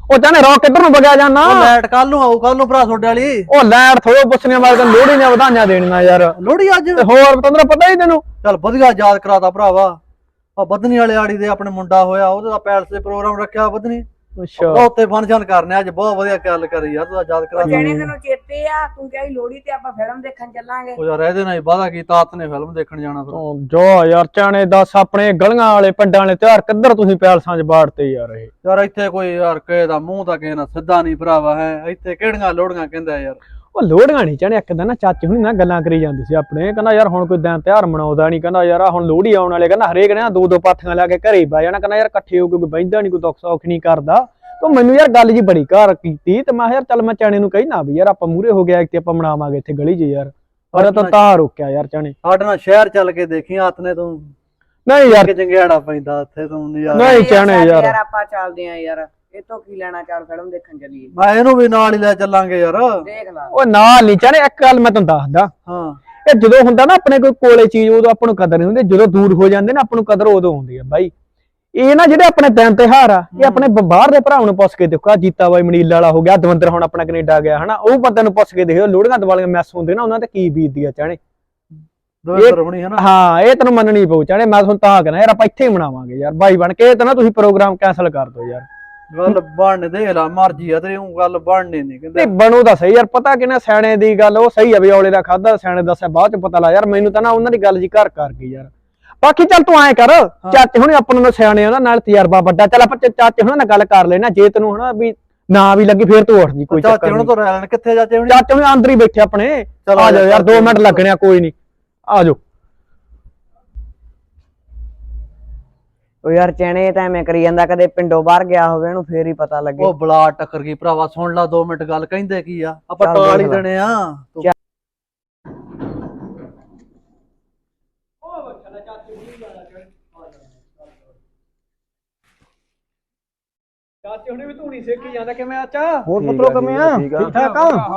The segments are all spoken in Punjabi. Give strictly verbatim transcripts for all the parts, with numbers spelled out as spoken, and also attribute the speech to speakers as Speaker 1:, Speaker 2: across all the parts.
Speaker 1: ਉਹ ਚਾਹਨੇ ਰੌਕ ਕਿੱਧਰ ਨੂੰ ਵਗਿਆ ਜਾਣਾ
Speaker 2: ਲਾਈਟ ਕੱਲ ਨੂੰ ਆਊ ਕੱਲ ਨੂੰ ਭਰਾ ਤੁਹਾਡੇ ਵਾਲੀ
Speaker 1: ਉਹ ਲਾਈਟ ਥੋੜੋ ਪੁੱਛਣੀਆਂ ਵਾਲੇ ਤੈਨੂੰ ਲੋਹੜੀ ਨੇ ਵਧਾਈਆਂ ਦੇਣੀਆਂ ਯਾਰ
Speaker 2: ਲੋਹੜੀ ਅੱਜ
Speaker 1: ਤੇ ਹੋਰ ਤੈਨੂੰ ਪਤਾ ਹੀ ਤੈਨੂੰ
Speaker 2: ਚੱਲ ਵਧੀਆ ਯਾਦ ਕਰਾਤਾ ਭਰਾਵਾ ਆ ਬਦਨੀ ਵਾਲੇ ਆੜੀ ਦੇ ਆਪਣੇ ਮੁੰਡਾ ਹੋਇਆ ਉਹਦਾ ਪੈਲਸ ਦੇ ਪ੍ਰੋਗਰਾਮ ਰੱਖਿਆ ਬਦਨੀ
Speaker 1: ਅੱਛਾ
Speaker 2: ਬਹੁਤੇ ਫੰਕਸ਼ਨ ਕਰਨੇ ਅੱਜ ਬਹੁਤ ਵਧੀਆ ਗੱਲ ਕਰੀ ਯਾਰ ਤੂੰ ਯਾਦ ਕਰਾ
Speaker 3: ਜਿਹੜੇ ਤੈਨੂੰ ਚੇਤੇ ਆ ਤੂੰ ਕਹੀ ਲੋਹੜੀ ਤੇ ਆਪਾਂ ਫਿਲਮ ਦੇਖਣ ਚੱਲਾਂਗੇ
Speaker 2: ਉਹ ਯਾਰ ਇਹਦੇ ਨਾਲ ਹੀ ਵਾਦਾ ਕੀਤਾ ਆਤ ਨੇ ਫਿਲਮ ਦੇਖਣ ਜਾਣਾ ਫਿਰ
Speaker 1: ਉਹ ਜੋ ਯਾਰ ਚਾਣੇ ਦੱਸ ਆਪਣੇ ਗਲੀਆਂ ਵਾਲੇ ਪਿੰਡਾਂ ਵਾਲੇ ਤਿਉਹਾਰ ਕਿੱਧਰ ਤੁਸੀਂ ਪੈਲਸਾਂ 'ਚ ਬਾੜਤੇ ਯਾਰ ਇਹ
Speaker 2: ਯਾਰ ਇੱਥੇ ਕੋਈ ਯਾਰ ਕਿਸੇ ਦਾ ਮੂੰਹ ਤਾਂ ਕਿਸੇ ਨਾਲ ਸਿੱਧਾ ਨਹੀਂ ਭਰਾਵਾ ਹੈ ਇੱਥੇ ਕਿਹੜੀਆਂ ਲੋੜੀਆਂ ਕਹਿੰਦਾ ਯਾਰ
Speaker 1: ਉਹ ਲੋਹੜੀਆਂ ਨਹੀਂ ਚਾਹਣੇ ਇੱਕ ਦਿਨ ਨਾ ਚਾਚੇ ਹੁਣੀ ਨਾ ਗੱਲਾਂ ਕਰੀ ਜਾਂਦੇ ਸੀ ਆਪਣੇ ਕਹਿੰਦਾ ਯਾਰ ਹੁਣ ਕੋਈ ਦਿਨ ਤਿਉਹਾਰ ਮਨਾਉਂਦਾ ਨਹੀਂ ਕਹਿੰਦਾ ਯਾਰ ਹੁਣ ਲੋਹੜੀ ਆਉਣ ਵਾਲੇ ਕਹਿੰਦਾ ਹਰੇਕ ਨੇ ਦੋ ਦੋ ਪਾਥੀਆਂ ਲਾ ਕੇ ਘਰੇ ਹੀ ਬਹਿ ਜਾਣਾ ਕਹਿੰਦਾ ਯਾਰ ਇਕੱਠੇ ਹੋ ਕੇ ਕੋਈ ਬਹਿੰਦਾ ਨਹੀਂ ਕੋਈ ਦੁੱਖ ਸੁੱਖ ਨਹੀਂ ਕਰਦਾ ਤੇ ਮੈਨੂੰ ਯਾਰ ਗੱਲ ਜੀ ਬੜੀ ਘਰ ਕੀਤੀ ਤੇ ਮੈਂ ਯਾਰ ਚੱਲ ਮੈਂ ਚਾਣੇ ਨੂੰ ਕਹਿਣਾ ਵੀ ਯਾਰ ਆਪਾਂ ਮੂਹਰੇ ਹੋ ਗਿਆ ਤੇ ਆਪਾਂ ਮਨਾਵਾਂਗੇ ਇੱਥੇ ਗਲੀ 'ਚ ਯਾਰ ਪਰ ਤਾਂ ਤਾਂ ਰੋਕਿਆ ਯਾਰ ਚਾਣੇ
Speaker 2: ਸਾਡੇ ਨਾਲ ਸ਼ਹਿਰ ਚੱਲ ਕੇ ਦੇਖੀ ਆਤ ਨੇ ਤੂੰ
Speaker 1: ਨਹੀਂ ਯਾਰ
Speaker 2: ਕਿ ਚੰਗਿਆੜਾ ਪੈਂਦਾ ਉੱਥੇ ਤੂੰ ਯਾਰ
Speaker 1: ਨਹੀਂ ਚਾਣੇ ਯਾਰ
Speaker 3: ਯਾਰ ਆਪਾਂ ਚੱਲਦੇ ਆਂ ਯਾਰ ਇਹ ਤੋਂ ਕੀ ਲੈਣਾ ਚੱਲ ਫਿਲਮ ਦੇਖਣ ਚੱਲੀਏ
Speaker 2: ਮੈਂ ਇਹਨੂੰ ਵੀ ਨਾਲ ਹੀ ਲੈ ਚੱਲਾਂਗੇ ਯਾਰ
Speaker 3: ਦੇਖ ਲਾ
Speaker 1: ਉਹ ਨਾਲ ਨਹੀਂ ਚਾਣੇ ਇੱਕ ਗੱਲ ਮੈਂ ਤੁਹਾਨੂੰ ਦੱਸਦਾ
Speaker 2: ਹਾਂ
Speaker 1: ਇਹ ਜਦੋਂ ਹੁੰਦਾ ਨਾ ਆਪਣੇ ਕੋਈ ਕੋਲੇ ਚੀਜ਼ ਉਦੋਂ ਆਪਾਂ ਨੂੰ ਕਦਰ ਨਹੀਂ ਹੁੰਦੀ ਜਦੋਂ ਦੂਰ ਹੋ ਜਾਂਦੇ ਨਾ ਆਪਾਂ ਨੂੰ ਕਦਰ ਉਦੋਂ ਹੁੰਦੀ ਆ ਬਾਈ ਇਹ ਨਾ ਜਿਹੜੇ ਆਪਣੇ ਦਿਨ ਤਿਉਹਾਰ ਆ ਇਹ ਆਪਣੇ ਬਾਹਰ ਦੇ ਭਰਾਵਾਂ ਨੂੰ ਪੁੱਛ ਕੇ ਦੇਖੋ ਜੀਤਾ ਬਾਈ ਮਨੀਲਾ ਵਾਲਾ ਹੋ ਗਿਆ ਦਵਿੰਦਰ ਹੁਣ ਆਪਣਾ ਕੈਨੇਡਾ ਗਿਆ ਹਨਾ ਉਹ ਬੰਦੇ ਨੂੰ ਪੁੱਛ ਕੇ ਦੇਖੋ ਲੋਹੜੀਆਂ ਦੀਵਾਲੀਆਂ ਮੈਸ ਹੁੰਦੇ ਨਾ ਉਹਨਾਂ ਤੇ ਕੀ ਬੀਤਦੀ ਆ ਚਾਣੇ
Speaker 2: ਦਵਿੰਦਰ ਬਣੀ ਹੈ ਨਾ
Speaker 1: ਹਾਂ ਇਹ ਤੈਨੂੰ ਮੰਨਣੀ ਪਊ ਚਾਣੇ ਮੈਂ ਤੁਹਾਨੂੰ ਤਾਂ ਕਹਿਣਾ ਯਾਰ ਆਪਾਂ ਇੱਥੇ ਹੀ ਮਨਾਵਾਂਗੇ ਯਾਰ ਬਾਈ ਬਣ ਕੇ ਇਹ ਤਾਂ ਨਾ ਤੁਸੀਂ ਪ੍ਰੋਗਰਾਮ ਕੈਂਸਲ ਕਰ ਦਿਓ ਯਾਰ
Speaker 2: ਗੱਲ ਬਣ ਦੇ ਲਾ ਮਰਜੀ ਆ ਤੇਰੀ ਉਹ ਗੱਲ ਬਣਨੀ ਨਹੀਂ ਕਹਿੰਦੇ
Speaker 1: ਨਹੀਂ ਬਣੂ ਤਾਂ ਸਹੀ ਯਾਰ ਪਤਾ ਕਿ ਨਾ ਸਿਆਣੇ ਦੀ ਗੱਲ ਉਹ ਸਹੀ ਆ ਵੀ ਔਲੇ ਦਾ ਖਾਦਾ ਸਿਆਣੇ ਦੱਸਿਆ ਬਾਅਦ ਚ ਪਤਾ ਲਾ ਯਾਰ ਮੈਨੂੰ ਤਾਂ ਨਾ ਉਹਨਾਂ ਦੀ ਗੱਲ ਜੀ ਘਰ ਕਰ ਗਈ ਯਾਰ ਬਾਕੀ ਚੱਲ ਤੂੰ ਐਂ ਕਰ ਚਾਚੇ ਹੁਣੇ ਆਪਾਂ ਨੂੰ ਸਿਆਣੇ ਉਹਨਾਂ ਨਾਲ ਤਜਰਬਾ ਵੱਡਾ ਚੱਲ ਆਪਾਂ ਚਾਚੇ ਹੁਣੇ ਨਾਲ ਗੱਲ ਕਰ ਲੈਣਾ ਜੇ ਤੈਨੂੰ ਹਨਾ ਵੀ ਨਾ ਵੀ ਲੱਗੀ ਫੇਰ ਤੂੰ ਉੱਠ ਜੀ ਕੋਈ
Speaker 2: ਚਾਚੇ ਹੁਣ ਤੋਂ ਰਹਿ ਲੈਣ ਕਿੱਥੇ ਚਾਚੇ ਹੁਣ
Speaker 1: ਚਾਚੇ ਹੁਣੇ ਅੰਦਰ ਹੀ ਬੈਠੇ ਆਪਣੇ ਆ ਜਾਓ ਯਾਰ ਦੋ ਮਿੰਟ ਲੱਗਣੇ ਆ ਕੋਈ ਨਹੀਂ ਆ ਜਾਓ
Speaker 3: ਉਹ ਯਾਰ ਚੈਣੇ ਤਾਂ ਐਵੇਂ ਕਰੀ ਜਾਂਦਾ ਕਦੇ ਪਿੰਡੋਂ ਬਾਹਰ ਗਿਆ ਹੋਵੇ ਇਹਨੂੰ ਫੇਰ ਹੀ ਪਤਾ ਲੱਗੇ
Speaker 2: ਉਹ ਬਲਾ ਟੱਕਰ ਗਈ ਭਰਾਵਾ ਸੁਣ ਲਾ ਦੋ ਮਿੰਟ ਗੱਲ ਕਹਿੰਦੇ ਕੀ ਆ ਆਪਾਂ
Speaker 3: ਚੱਲ
Speaker 2: ਟਾਲ ਹੀ
Speaker 3: ਦੇਖ ਲਾ।
Speaker 2: ਦੇਣੇ ਆ
Speaker 1: ਚਾਚੇ ਹੁਣੇ ਵੀ ਧੂਣੀ ਸੇਕੀ ਜਾਂਦਾ ਕਿਵੇਂ ਆਚਾ
Speaker 4: ਹੋਰ ਪੁੱਤਰੋ ਕਿਵੇਂ ਆ ਠੀਕ ਠਾਕ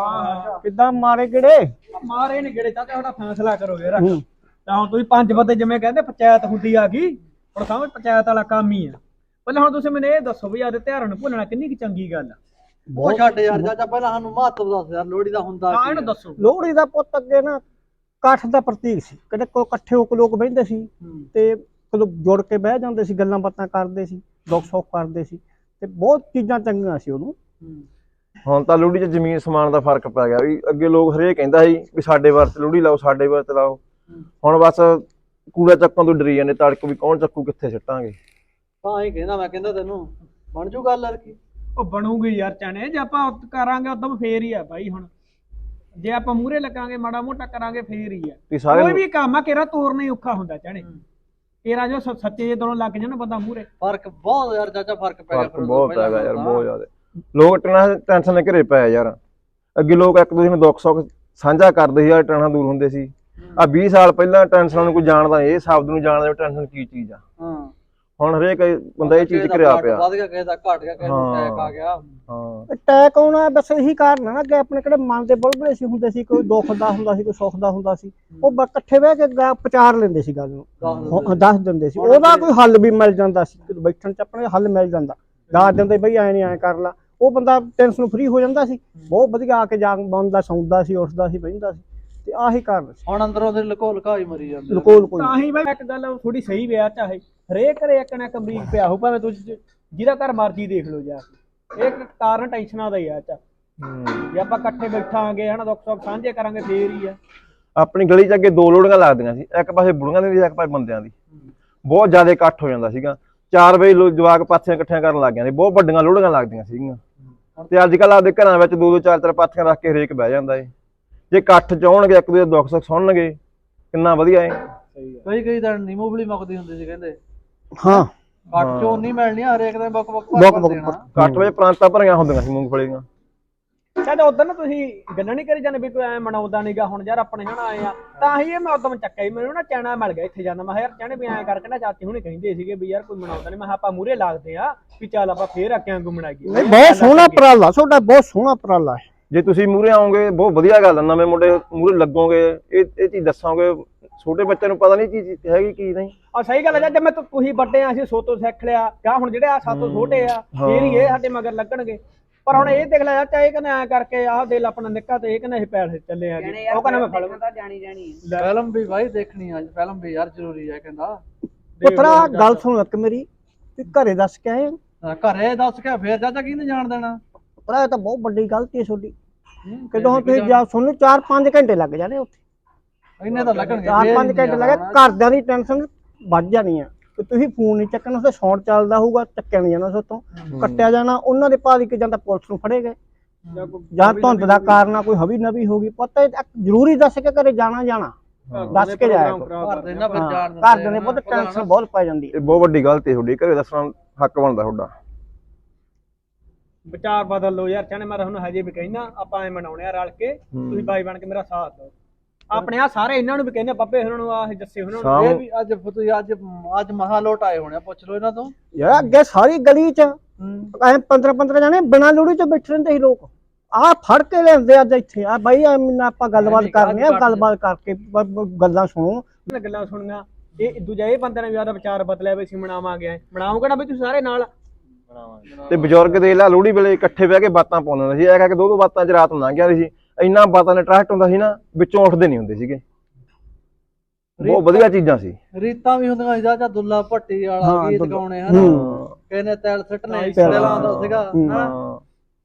Speaker 4: ਆ ਕਿੱਦਾਂ ਮਾਰੇ ਕਿਹੜੇ
Speaker 1: ਮਾਰੇ ਨੀ ਗੇੜੇ ਚਾਚਾ ਤੁਹਾਡਾ ਫੈਸਲਾ ਕਰੋ ਯਾਰ ਤਾਂ ਹੁਣ ਤੁਸੀਂ ਪੰਜ ਬੰਦੇ ਜਿਵੇਂ ਕਹਿੰਦੇ ਪੰਚਾਇਤ ਹੁੰਦੀ ਆ ਗਈ ਹੁਣ ਸਮਝ ਪੰਚਾਇਤ ਵਾਲਾ ਕੰਮ ਹੀ ਆ ਪਹਿਲਾਂ ਹੁਣ ਤੁਸੀਂ ਮੈਨੂੰ ਇਹ ਦੱਸੋ ਵੀ ਆਦੇ ਤਿਉਹਾਰਾਂ ਨੂੰ ਭੁੱਲਣਾ ਕਿੰਨੀ ਕੁ ਚੰਗੀ ਗੱਲ ਆ
Speaker 2: ਉਹ ਛੱਡ ਯਾਰ ਚਾਚਾ ਪਹਿਲਾਂ ਸਾਨੂੰ ਮਹੱਤਵ ਦੱਸ ਯਾਰ ਲੋਹੜੀ ਦਾ ਹੁੰਦਾ
Speaker 1: ਹਾਂ
Speaker 2: ਕੀ
Speaker 1: ਇਹਨੂੰ
Speaker 2: ਆ?
Speaker 1: ਦੱਸੋ
Speaker 4: ਲੋਹੜੀ ਦਾ ਪੁੱਤ ਅੱਗੇ ਨਾ ਇਕੱਠ ਦਾ ਪ੍ਰਤੀਕ ਸੀ ਕਿਤੇ ਕੋ ਇਕੱਠੇ ਹੋ ਕੇ ਲੋਕ ਬਹਿੰਦੇ ਸੀ
Speaker 2: ਹੂੰ।
Speaker 4: ਤੇ ਕਦੋਂ ਜੁੜ ਕੇ ਬਹਿ ਜਾਂਦੇ ਸੀ ਗੱਲਾਂ ਬਾਤਾਂ ਕਰਦੇ ਸੀ ਦੁੱਖ ਸੁੱਖ ਕਰਦੇ ਸੀ ਤੇ ਬਹੁਤ ਚੀਜ਼ਾਂ ਚੰਗੀਆਂ ਸੀ ਉਦੋਂ
Speaker 2: ਹੂੰ।
Speaker 5: ਹੁਣ ਤਾਂ ਲੋਹੜੀ 'ਚ ਜ਼ਮੀਨ ਸਮਾਨ ਦਾ ਫਰਕ ਪੈ ਗਿਆ ਵੀ ਅੱਗੇ ਲੋਕ ਹਰੇਕ ਕਹਿੰਦਾ ਸੀ ਵੀ ਸਾਡੇ ਵਰਤ ਲੋਹੜੀ ਲਾਓ ਸਾਡੇ ਵਰਤ ਲਾਓ ਹੁਣ ਬਸ ਕੂੜਾ ਚੱਕਣ ਤੋਂ ਡਰੀ ਜਾਂਦੇ ਤੜਕ ਵੀ ਕੌਣ ਚੱਕੂ ਕਿੱਥੇ ਸਿੱਟਾਂਗੇ
Speaker 2: ਹਾਂ ਇਹ ਕਹਿੰਦਾ ਮੈਂ ਕਹਿੰਦਾ ਤੈਨੂੰ ਬਣ ਜੂ ਗੱਲ ਯਾਰ ਕੀ
Speaker 1: ਉਹ ਬਣੂਗੀ ਯਾਰ ਚਾਣੇ ਜੇ ਆਪਾਂ ਕਰਾਂਗੇ ਉਦੋਂ ਫੇਰ ਹੀ ਆ ਬਾਈ ਹੁਣ ਜੇ ਆਪਾਂ ਮੂਹਰੇ ਲੱਗਾਂਗੇ ਮਾੜਾ ਮੋਟਾ ਕਰਾਂਗੇ ਫੇਰ ਹੀ ਆ
Speaker 5: ਵੀ ਸਾਰੇ
Speaker 1: ਕੋਈ ਵੀ ਕੰਮ ਆ ਕਿਹੜਾ ਤੋਰਨਾ ਹੀ ਔਖਾ ਹੁੰਦਾ ਚਾਣੇ ਕਿਹੜਾ ਜੋ ਸ- ਸੱਚੇ ਜੇ ਦੋਨੋਂ ਲੱਗ ਜਾਣ ਬੰਦਾ ਮੂਹਰੇ
Speaker 2: ਫਰਕ ਬਹੁਤ ਯਾਰ ਚਾਚਾ ਫਰਕ ਪੈ ਗਿਆ
Speaker 5: ਫਰਕ ਬਹੁਤ ਹੈਗਾ ਯਾਰ ਬਹੁਤ ਜ਼ਿਆਦਾ ਲੋਕ ਟੈਨਸ਼ਨ ਟੈਨਸ਼ਨ ਲੈ ਘਰੇ ਪਏ ਯਾਰ ਅੱਗੇ ਲੋਕ ਇੱਕ ਦੂਜੇ ਨੂੰ ਦੁੱਖ ਸੁੱਖ ਸਾਂਝਾ ਕਰਦੇ ਸੀ ਯਾਰ ਟੈਨਸ਼ਨ ਦੂਰ ਹੁੰਦੇ ਸੀ ਆ ਵੀਹ ਸਾਲ ਪਹਿਲਾਂ ਟੈਨਸ਼ਨਾਂ ਨੂੰ ਕੋਈ ਜਾਣਦਾ ਇਹ ਸ਼ਬਦ ਨੂੰ ਜਾਣਦਾ ਵੀ ਟੈਨਸ਼ਨ ਕੀ ਚੀਜ਼ ਆ
Speaker 2: ਹਾਂ
Speaker 5: ਹੁਣ ਹਰੇਕ ਬੰਦਾ ਇਹ ਚੀਜ਼ ਕਰਿਆ ਪਿਆ
Speaker 2: ਵੱਧ ਗਿਆ ਕਿਸੇ ਦਾ ਘਟ ਗਿਆ ਕਿਸੇ ਨੂੰ ਅਟੈਕ ਆ ਗਿਆ
Speaker 5: ਹਾਂ
Speaker 4: ਅਟੈਕ ਆਉਣਾ ਬਸ ਇਹੀ ਕਾਰਨ ਆ ਨਾ ਕਿ ਆਪਣੇ ਕਿਹੜੇ ਮਨ ਦੇ ਬੁਲਬੁਲੇ ਸੀ ਹੁੰਦੇ ਸੀ ਕੋਈ ਦੁੱਖ ਦਾ ਹੁੰਦਾ ਸੀ ਕੋਈ ਸੁੱਖ ਦਾ ਹੁੰਦਾ ਸੀ ਉਹ ਬ- ਇਕੱਠੇ ਬਹਿ ਕੇ ਗਾ- ਵਿਚਾਰ ਲੈਂਦੇ ਸੀ ਗੱਲ ਨੂੰ ਉਹ ਦੱਸ ਦਿੰਦੇ ਸੀ ਉਹਦਾ ਕੋਈ ਹੱਲ ਵੀ ਮਿਲ ਜਾਂਦਾ ਸੀ ਕਿ ਬੈਠਣ ਚ ਆਪਣੇ ਹੱਲ ਮਿਲ ਜਾਂਦਾ ਦੱਸ ਦਿੰਦੇ ਬਈ ਐ ਨਹੀਂ ਐ ਕਰ ਲਾ ਉਹ ਬੰਦਾ ਟੈਨਸ਼ਨ ਫਰੀ ਹੋ ਜਾਂਦਾ ਸੀ ਬਹੁਤ ਵਧੀਆ ਆ ਕੇ ਜਾ ਬੰਦਾ ਸੌਂਦਾ ਸੀ ਉੱਠਦਾ ਸੀ ਬਹਿੰਦਾ ਸੀ ਤੇ ਆਹੀ ਕਾਰਨ ਸੀ
Speaker 2: ਹੁਣ ਅੰਦਰੋਂ ਦੇ ਲਕੋ ਲਕਾਈ ਮਰੀ ਜਾਂਦੇ
Speaker 4: ਲਕੋਲ ਕੋਈ
Speaker 1: ਤਾਂ ਹੀ ਮੈਂ ਇੱਕ ਗੱਲ ਥੋੜੀ ਸਹੀ ਵਿਆਹ ਚਾਹੇ ਹਰੇਕ ਘਰੇ ਇੱਕ ਨਾ ਇੱਕ ਮਰੀਜ਼ ਪਿਆ ਹੋ ਭਾਵੇਂ ਤੁਸੀਂ ਜਿਹਦਾ ਘਰ ਮਰਜ਼ੀ ਦੇਖ ਲਓ ਜਾ ਕੇ ਇੱਕ ਕਾਰਨ ਟੈਨਸ਼ਨਾਂ ਦਾ ਹੀ ਆ ਚਾ ਜੇ ਆਪਾਂ ਇਕੱਠੇ ਬੈਠਾਂਗੇ ਹਨਾ ਦੁੱਖ ਸੁੱਖ ਸਾਂਝੇ ਕਰਾਂਗੇ ਫੇਰ ਹੀ ਆ
Speaker 5: ਆਪਣੀ ਗਲੀ 'ਚ ਅੱਗੇ ਦੋ ਲੋੜੀਆਂ ਲੱਗਦੀਆਂ ਸੀ ਇੱਕ ਪਾਸੇ ਬੁੜੀਆਂ ਦੀ ਇੱਕ ਪਾਸੇ ਬੰਦਿਆਂ ਦੀ ਬਹੁਤ ਜ਼ਿਆਦਾ ਇਕੱਠ ਹੋ ਜਾਂਦਾ ਸੀਗਾ ਚਾਰ ਵਜੇ ਲੋਕ ਜਵਾਕ ਪਾਥੀਆਂ ਇਕੱਠੀਆਂ ਕਰਨ ਲੱਗ ਜਾਂਦੇ ਬਹੁਤ ਵੱਡੀਆਂ ਲੋੜੀਆਂ ਲੱਗਦੀਆਂ ਸੀਗੀਆਂ ਤੇ ਅੱਜ ਕੱਲ੍ਹ ਆਪਦੇ ਘਰਾਂ ਵਿੱਚ ਦੋ ਦੋ ਚਾਰ ਚਾਰ ਪਾਥੀਆਂ ਰੱਖ ਕੇ ਹਰੇਕ ਬਹਿ ਜਾਂਦਾ ਏ ਜੇ ਇਕੱਠ ਚ ਆਉਣਗੇ ਇੱਕ ਦੂਜੇ ਦੁੱਖ ਸੁੱਖ ਸੁਣਨਗੇ ਕਿੰਨਾ ਵਧੀਆ ਏ
Speaker 2: ਕਈ ਕਈ ਤਾਂ ਨਿਮੋਬਲੀ ਮੁੱਕਦੀ ਹੁੰਦੀ ਸੀ ਕਹਿੰਦੇ
Speaker 4: ਹਾਂ
Speaker 2: ਘੱਟ ਚੋਂ ਨਹੀਂ ਮਿਲਣੀ ਹਰੇਕ ਦੇ ਬਕ ਬਕ
Speaker 4: ਬਕ ਬਕ
Speaker 5: ਇਕੱਠ ਵਿੱਚ ਪ੍ਰਾਂਤਾਂ ਭਰੀਆਂ ਹੁੰਦੀਆਂ ਸੀ ਮੂੰਗਫਲੀ ਦੀਆਂ
Speaker 1: ਕਹਿੰਦੇ ਉਦੋਂ ਨਾ ਤੁਸੀਂ ਗੱਲਾਂ ਨਹੀਂ ਕਰੀ ਜਾਂਦੇ ਵੀ ਕੋਈ ਐ ਮਨਾਉਂਦਾ ਨਹੀਂਗਾ ਹੁਣ ਯਾਰ ਆਪਣੇ ਹਨਾ ਆਏ ਆ ਤਾਂ ਹੀ ਇਹ ਮੈਂ ਉਦੋਂ ਚੱਕਿਆ ਮੈਨੂੰ ਨਾ ਚੈਨਾ ਮਿਲ ਗਿਆ ਇੱਥੇ ਜਾਂਦਾ ਮੈਂ ਯਾਰ ਚਾਹਣੇ ਵੀ ਐਂ ਕਰਕੇ ਨਾ ਚਾਚੀ ਹੁਣੇ ਕਹਿੰਦੇ ਸੀਗੇ ਵੀ ਯਾਰ ਕੋਈ ਮਨਾਉਂਦਾ ਨਹੀਂ ਮੈਂ ਆਪਾਂ ਮੂਹਰੇ ਲੱਗਦੇ ਆ ਵੀ ਚੱਲ ਆਪਾਂ ਫੇਰ ਆ ਕੇ ਵਾਂਗੂ ਮਨਾਈਏ
Speaker 4: ਨਹੀਂ ਬਹੁਤ ਸੋਹਣਾ ਉਪਰਾਲਾ ਤੁਹਾਡਾ ਬਹੁਤ ਸੋਹਣਾ ਉਪਰਾਲਾ ਹੈ
Speaker 5: ਜੇ ਤੁਸੀਂ ਮੂਹਰੇ ਆਓਗੇ ਬਹੁਤ ਵਧੀਆ ਗੱਲ ਆ ਨਵੇਂ ਮੁੰਡੇ ਮੂਹਰੇ ਲੱਗੋਗੇ ਇਹ ਇਹ ਚੀਜ਼ ਦੱਸੋਗੇ ਛੋਟੇ ਬੱਚਿਆਂ ਨੂੰ ਪਤਾ ਨਹੀਂ ਕੀ ਚੀਜ਼ ਹੈਗੀ ਕੀ ਨਹੀਂ।
Speaker 1: ਆ ਸਹੀ ਗੱਲ ਹੈ ਜੇ ਮੈਂ ਤੁ- ਤੁਸੀਂ ਵੱਡੇ ਆ ਅਸੀਂ ਸੋਤੋਂ ਸਿੱਖ ਲਿਆ ਕਿਆ ਹੁਣ ਜਿਹੜੇ ਆ ਸਾਤੋਂ ਛੋਟੇ ਆ
Speaker 5: ਹਾਂ।
Speaker 1: ਇਹ ਨਹੀਂ ਇਹ ਸਾਡੇ ਮਗਰ ਲੱਗਣਗੇ। ਪਰ ਹੁਣ ਇਹ ਦੇਖ ਲੈ ਚਾਚਾ ਇਹ ਕਹਿੰਦੇ ਐ ਕਰਕੇ ਆਹ ਦਿਲ ਆਪਣਾ ਨਿੱਕਾ ਤੇ ਇਹ ਕਹਿੰਦੇ ਅਸੀਂ ਪੈਸੇ ਚੱਲੇ ਆ ਜੀ ਉਹ ਕਹਿੰਦਾ ਮੈਂ ਫੜ
Speaker 3: ਤਾਂ ਜਾਣੀ ਜਾਣੀ ਹੈ।
Speaker 2: ਫਿਲਮ ਵੀ ਭਾਈ ਦੇਖਣੀ ਅੱਜ ਫਿਲਮ ਵੀ ਯਾਰ ਜ਼ਰੂਰੀ ਹੈ ਕਹਿੰਦਾ।
Speaker 4: ਪੁੱਤਰਾ ਗੱਲ ਸੁਣ ਇੱਕ ਮੇਰੀ ਵੀ ਘਰੇ ਦੱਸ ਕੇ ਆਏ
Speaker 2: ਹਾਂ, ਘਰੇ ਦੱਸ ਕੇ ਫੇਰ ਚਾਚਾ ਕਿਹਨੇ ਜਾਣ ਦੇਣਾ।
Speaker 4: ਪੁੱਤਰਾ ਇਹ ਤਾਂ ਬਹੁਤ ਵੱਡੀ ਗਲਤੀ ਹੈ ਤੁਹਾਡੀ ਕਿਦੋਂ ਤੁਸੀਂ ਜਾ ਤੁਹਾਨੂੰ ਚਾਰ ਪੰਜ ਘੰਟੇ ਲੱਗ ਜਾਣੇ ਉੱਥੇ
Speaker 2: ਇੰਨੇ ਤਾਂ ਲੱਗਣਗੇ
Speaker 4: ਚਾਰ
Speaker 2: ਫੇਰ
Speaker 4: ਪੰਜ
Speaker 2: ਨਹੀਂ
Speaker 4: ਘੰਟੇ ਲੱਗੇ ਘਰਦਿਆਂ ਦੀ ਟੈਨਸ਼ਨ ਵੱਧ ਜਾਣੀ ਆ ਕਿ ਤੁਸੀਂ ਫੋਨ ਨਹੀਂ ਚੱਕਣਾ ਉਸੇ ਸੌਣ ਚੱਲਦਾ ਹੋਊਗਾ ਚੱਕਿਆ ਨਹੀਂ ਜਾਣਾ ਉਸੋਂ ਕੱਟਿਆ ਜਾਣਾ ਉਹਨਾਂ ਦੇ ਭਾਰੀ ਕਿ ਜਾਂ ਤਾਂ ਪੁਲਿਸ ਨੂੰ ਫੜੇ ਗਏ ਜਾਂ ਧੁੰਦ ਦਾ ਕਾਰਨ ਆ ਕੋਈ ਹਵੀ ਨਵੀ ਹੋ ਗਈ ਪਤਾ ਜ਼ਰੂਰੀ ਦੱਸ ਕੇ ਘਰੇ ਜਾਣਾ ਜਾਣਾ ਦੱਸ ਕੇ ਜਾਇਆ ਕਰੋ।
Speaker 2: ਘਰ ਦੇ ਨਾ ਫਿਰ ਜਾਣ
Speaker 4: ਘਰਦਿਆਂ ਨੇ ਬਹੁਤ ਟੈਨਸ਼ਨ ਬਹੁਤ ਪੈ ਜਾਂਦੀ ਹੈ।
Speaker 5: ਇਹ ਬਹੁਤ ਵੱਡੀ ਗਲਤੀ ਹੈ ਤੁਹਾਡੀ, ਘਰੇ ਦੱਸਣਾ ਹੱਕ ਬਣਦਾ ਤੁਹਾਡਾ।
Speaker 1: ਵਿਚਾਰ ਬਦਲ ਲਓ ਯਾਰ ਚਾਹਨੇ ਮੈਂ ਤੁਹਾਨੂੰ ਹਜੇ ਵੀ ਕਹਿਣਾ ਆਪਾਂ ਐ ਮਨਾਉਣੇ ਆ ਰਲ ਕੇ ਤੁਸੀਂ ਬਾਈ ਬਣ ਕੇ ਮੇਰਾ ਸਾਥ ਦਿਓ ਆਪਣੇ ਆ ਸਾਰੇ ਇਹਨਾਂ ਨੂੰ ਵੀ ਕਹਿੰਦੇ ਬੱਬੇ ਉਹਨਾਂ ਨੂੰ ਆਹ ਜੱਸੇ ਉਹਨਾਂ ਨੂੰ
Speaker 5: ਸ਼ਾਮ
Speaker 2: ਇਹ ਵੀ ਅੱਜ ਤੁਸੀਂ ਅੱਜ ਅੱਜ ਮਹਾ ਲੋਟ ਆਏ ਹੋਣੇ ਆ, ਪੁੱਛ ਲਓ ਇਹਨਾਂ ਤੋਂ।
Speaker 4: ਯਾਰ ਅੱਗੇ ਸਾਰੀ ਗਲੀ ਚ ਐ ਪੰਦਰਾਂ ਪੰਦਰਾਂ ਜਣੇ ਬਿਨਾਂ ਲੋੜੀ ਚ ਬੈਠੇ ਰਹਿੰਦੇ ਸੀ ਲੋਕ ਆਹ ਫੜ ਕੇ ਲਿਆਂਦੇ ਅੱਜ ਇੱਥੇ ਆ ਬਾਈ ਐਵੇਂ ਆਪਾਂ ਗੱਲਬਾਤ ਕਰਨੀ ਆ ਗੱਲਬਾਤ ਕਰਕੇ ਬ- ਬ- ਗੱਲਾਂ ਸੁਣੋ
Speaker 1: ਇਹਨਾਂ ਗੱਲਾਂ ਸੁਣੀਆਂ ਇਹ ਦੂਜਾ ਇਹ ਬੰਦੇ ਨੇ ਵੀ ਆਦਾ ਵਿਚਾਰ ਬਦਲਿਆ ਵੀ ਅਸੀਂ ਮਨਾਵਾਂਗੇ ਮਨਾਉਂਗੇ ਨਾ ਵੀ ਤੁਸੀਂ ਸਾਰੇ ਨਾਲ
Speaker 5: ਤੇ ਬਜ਼ੁਰਗ ਦੇ ਲਾ ਲੋਹੜੀ ਵੇਲੇ ਇਕੱਠੇ ਬਹਿ ਕੇ ਬਾਤਾਂ ਪਾਉਂਦੇ ਹੁੰਦੇ ਸੀ। ਇਹ ਕਹਿ ਕੇ ਦੋ ਦੋ ਬਾਤਾਂ ਚ ਰਾਤ ਲੰਘ ਜਾਂਦੀ ਸੀ। ਇੰਨਾ ਬਾਤਾਂ ਦਾ ਟਰਸਟ ਹੁੰਦਾ ਸੀ ਨਾ ਵਿੱਚੋਂ ਉੱਠਦੇ ਨਹੀਂ ਹੁੰਦੇ ਸੀਗੇ। ਬਹੁਤ ਵਧੀਆ ਚੀਜ਼ਾਂ ਸੀ।
Speaker 2: ਰੀਤਾਂ ਵੀ ਹੁੰਦੀਆਂ ਸੀ ਚਾਚਾ ਦੁੱਲਾ ਭੱਟੀ ਵਾਲਾ
Speaker 4: ਹਾਂ,
Speaker 2: ਗੀਤ
Speaker 4: ਦੁੱਲਾ।
Speaker 2: ਗਾਉਣੇ ਹਨਾ ਕਹਿੰਦੇ ਤੈਲ ਸਿੱਟਨੇ ਤੈਲਾਂ ਆਉਂਦਾ ਸੀਗਾ ਹਨਾ।
Speaker 5: ਹਾਂ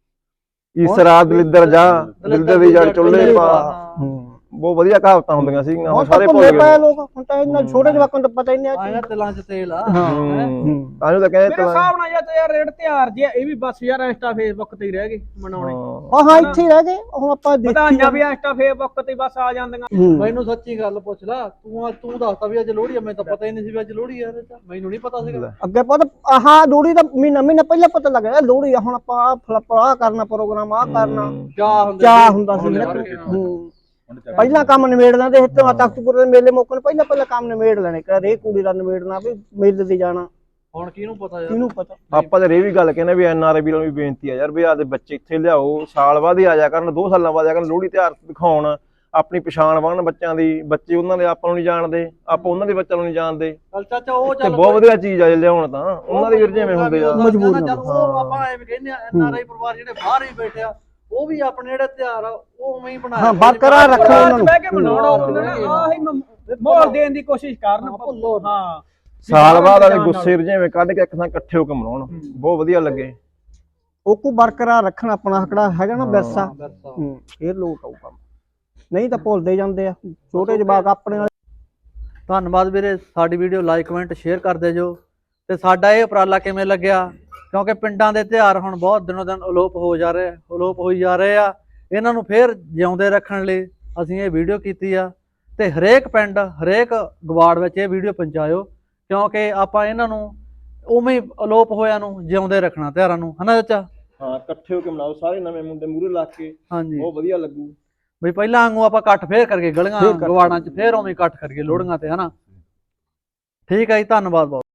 Speaker 5: ਇਸ ਰਾਤ ਦਲਿੱਦਰ ਜਾ ਦਿਲਦਰ ਦੀ ਜੜ ਚੁੱਲ੍ਹੇ ਪਾ ਬਹੁਤ ਵਧੀਆ ਕਹਾਵਤਾਂ ਹੁੰਦੀਆਂ ਸੀਗੀਆਂ। ਹੁਣ ਸਾਰੇ ਭੁੱਲ
Speaker 4: ਪਏ
Speaker 5: ਗਏ
Speaker 4: ਲੋਕ ਹੁਣ ਤਾਂ ਇਹਨਾਂ ਛੋਟੇ ਜਵਾਕਾਂ ਨੂੰ ਤਾਂ ਪਤਾ ਹੀ ਨਹੀਂ
Speaker 2: ਆਇਆ ਤੇਲਾਂ ਚ ਤੇਲ ਆ
Speaker 5: ਆਜੋ ਤਾਂ ਕਹਿੰਦੇ
Speaker 1: ਮੇਰੇ ਹਿਸਾਬ ਨਾਲ ਯਾਰ ਤੇ ਯਾਰ ਰੇਡ ਤਿਉਹਾਰ ਜੇ ਇਹ ਵੀ ਬਸ ਯਾਰ ਇੰਸਟਾ ਫੇਸਬੁੱਕ ਤੇ ਹੀ ਰਹਿ ਗਏ ਮਨਾਉਣੇ
Speaker 4: ਹਾਂ ਹਾਂ ਇੱਥੇ ਹੀ ਰਹਿ ਗਏ ਹੁਣ ਆਪਾਂ ਦੇਖੀ
Speaker 1: ਵਧਾਈਆਂ ਵੀ ਇੰਸਟਾ ਫੇਸਬੁੱਕ ਤੇ ਬਸ ਆ ਜਾਂਦੀਆਂ
Speaker 2: ਮੈਨੂੰ ਸੱਚੀ ਗੱਲ ਪੁੱਛ ਲਾ ਤੂੰ ਤੂੰ ਦੱਸਦਾ ਵੀ ਅੱਜ ਲੋਹੜੀ ਆ, ਮੈਨੂੰ ਤਾਂ ਪਤਾ ਹੀ ਨਹੀਂ ਸੀ ਵੀ ਅੱਜ ਲੋਹੜੀ ਆ। ਮੈਨੂੰ ਨਹੀਂ ਪਤਾ ਸੀਗਾ
Speaker 4: ਅੱਗੇ ਪਤਾ ਆਹ ਲੋਹੜੀ ਦਾ ਮਹੀਨਾ ਮਹੀਨਾ ਪਹਿਲਾਂ ਪਤਾ ਲੱਗ ਗਿਆ ਲੋਹੜੀ ਆ ਹੁਣ ਆਪਾਂ ਆਹ ਫਲੱਪ ਆਹ ਕਰਨਾ ਪ੍ਰੋਗਰਾਮ ਆਹ ਕਰਨਾ
Speaker 2: ਚਾਹ ਹੁੰਦਾ
Speaker 4: ਚਾਹ ਹੁੰਦਾ ਸੀ ਹੂੰ ਪਹਿਲਾਂ ਕੰਮ ਨਿਬੇੜ ਲੈਂਦੇ ਸੀ ਤੇ ਤਖਤਪੁਰ ਦੇ ਮੇਲੇ ਮੌਕੇ ਨੂੰ ਪਹਿਲਾਂ ਪਹਿਲਾਂ ਕੰਮ ਨਿਬੇੜ ਲੈਣੇ ਕਦੇ ਕੁੜੀ ਦਾ ਨਿਬੇੜਨਾ ਵੀ ਮੇਲੇ ਤੇ ਜਾਣਾ
Speaker 2: ਹੁਣ ਕਿਹਨੂੰ ਪਤਾ ਯਾਰ
Speaker 4: ਕਿਹਨੂੰ ਪਤਾ।
Speaker 5: ਆਪਾਂ ਤਾਂ ਇਹ ਵੀ ਗੱਲ ਕਹਿੰਦੇ ਵੀ ਐਨ ਆਰ ਆਈ ਵੀਰਾਂ ਨੂੰ ਵੀ ਬੇਨਤੀ ਆ ਯਾਰ ਵੀ ਆਦੇ ਬੱਚੇ ਇੱਥੇ ਲਿਆਓ ਸਾਲ ਬਾਅਦ ਹੀ ਆ ਜਾ ਕਰਨ ਦੋ ਸਾਲਾਂ ਬਾਅਦ ਆ ਕਰਨ ਲੋਹੜੀ ਤਿਉਹਾਰ ਦਿਖਾਉਣ ਆਪਣੀ ਪਛਾਣ ਬਣਨ ਬੱਚਿਆਂ ਦੀ। ਬੱਚੇ ਉਹਨਾਂ ਦੇ ਆਪਾਂ ਨੂੰ ਨਹੀਂ ਜਾਣਦੇ ਆਪਾਂ ਉਹਨਾਂ ਦੇ ਬੱਚਿਆਂ ਨੂੰ ਨਹੀਂ ਜਾਣਦੇ।
Speaker 2: ਚੱਲ ਚਾਚਾ ਉਹ
Speaker 5: ਤੇ
Speaker 2: ਚੱਲ
Speaker 5: ਬਹੁਤ ਵਧੀਆ ਚੀਜ਼ ਆ ਜੇ ਲਿਆਉਣ ਤਾਂ ਉਹਨਾਂ ਦੇ ਵੀਰ ਜਿਵੇਂ ਹੁੰਦੇ ਆ
Speaker 4: ਮਜਬੂਰ
Speaker 2: ਚੱਲ ਉਹ ਆਪਾਂ ਐਵੇਂ ਕਹਿੰਦੇ ਆ ਐਨ ਆਰ ਆਈ ਪਰਿਵਾਰ ਜਿਹੜੇ ਬਾਹਰ ਹੀ ਬੈਠੇ ਆ ਉਹ ਵੀ ਆਪਣੇ ਜਿਹੜੇ ਤਿਉਹਾਰ ਆ ਉਹ ਉਵੇਂ ਹੀ ਬਣਾਏ
Speaker 4: ਹਾਂ ਬਰਕਰਾਰ ਰੱਖੋ ਉਹਨਾਂ ਨੂੰ
Speaker 1: ਬਹਿ ਕੇ ਮਨਾਉਣਾ ਆਹੀ ਮਾਹੌਲ ਦੇਣ ਦੀ ਕੋਸ਼ਿਸ਼ ਕਰਨ
Speaker 2: ਭੁੱਲੋ
Speaker 1: ਹਾਂ
Speaker 5: ਸਾਲ ਬਾਅਦ ਵਾਲੇ ਗੁੱਸੇ ਜਿਵੇਂ ਕੱਢ ਕੇ ਇੱਕ ਥਾਂ ਇਕੱਠੇ ਹੋ ਕੇ ਮਨਾਉਣ ਬਹੁਤ ਵਧੀਆ ਲੱਗੇ।
Speaker 4: ਉਹ ਕੋ ਬਰਕਰਾਰ ਰੱਖਣਾ ਆਪਣਾ ਹਕੜਾ ਹੈਗਾ ਨਾ ਵਿਰਸਾ ਹੂੰ ਫੇਰ ਲੋਟ ਆਊ ਕੰਮ ਨਹੀਂ ਤਾਂ ਭੁੱਲਦੇ ਜਾਂਦੇ ਆ ਛੋਟੇ ਜਵਾਕ ਆਪਣੇ ਨਾਲ।
Speaker 2: ਧੰਨਵਾਦ ਵੀਰੇ ਸਾਡੀ ਵੀਡੀਓ ਲਾਈਕ ਕਮੈਂਟ ਸ਼ੇਅਰ ਕਰਦੇ ਜੋ ਤੇ ਸਾਡਾ ਇਹ ਉਪਰਾਲਾ ਕਿਵੇਂ ਲੱਗਿਆ ਕਿਉਂਕਿ ਪਿੰਡਾਂ ਦੇ ਤਿਉਹਾਰ ਹੁਣ ਬਹੁਤ ਦਿਨੋਂ ਦਿਨ ਅਲੋਪ ਹੋ ਜਾ ਰਹੇ ਅਲੋਪ ਹੋਈ ਜਾ ਰਹੇ ਆ ਇਹਨਾਂ ਨੂੰ ਫੇਰ ਜਿਉਂਦੇ ਰੱਖਣ ਲਈ ਅਸੀਂ ਇਹ ਵੀਡੀਓ ਕੀਤੀ ਆ ਤੇ ਹਰੇਕ ਪਿੰਡ ਹਰੇਕ ਗਵਾੜ ਵਿੱਚ ਇਹ ਵੀਡੀਓ ਪਹੁੰਚਾਇਓ ਕਿਉਂਕਿ ਆਪਾਂ ਇਹਨਾਂ ਨੂੰ ਉਵੇਂ ਹੀ ਅਲੋਪ ਹੋਇਆਂ ਨੂੰ ਜਿਉਂਦੇ ਰੱਖਣਾ ਤਿਉਹਾਰਾਂ ਨੂੰ ਹਨਾ ਚਾਚਾ।
Speaker 5: ਹਾਂ ਇਕੱਠੇ ਹੋ ਕੇ ਮਨਾਓ ਸਾਰੇ ਨਵੇਂ ਮੁੰਡੇ ਮੂਹਰੇ ਲਾ ਕੇ
Speaker 2: ਹਾਂਜੀ
Speaker 5: ਬਹੁਤ ਵਧੀਆ ਲੱਗੂ।
Speaker 2: ਬਈ ਪਹਿਲਾਂ ਵਾਂਗੂ ਆਪਾਂ ਇਕੱਠ ਫੇਰ ਕਰਕੇ ਗਲੀਆਂ ਗਵਾੜਾਂ 'ਚ ਫੇਰ ਉਵੇਂ ਇਕੱਠ ਕਰੀਏ ਲੋਹੜੀਆਂ ਤੇ ਹਨਾ। ਠੀਕ ਹੈ ਜੀ ਧੰਨਵਾਦ ਬਹੁਤ।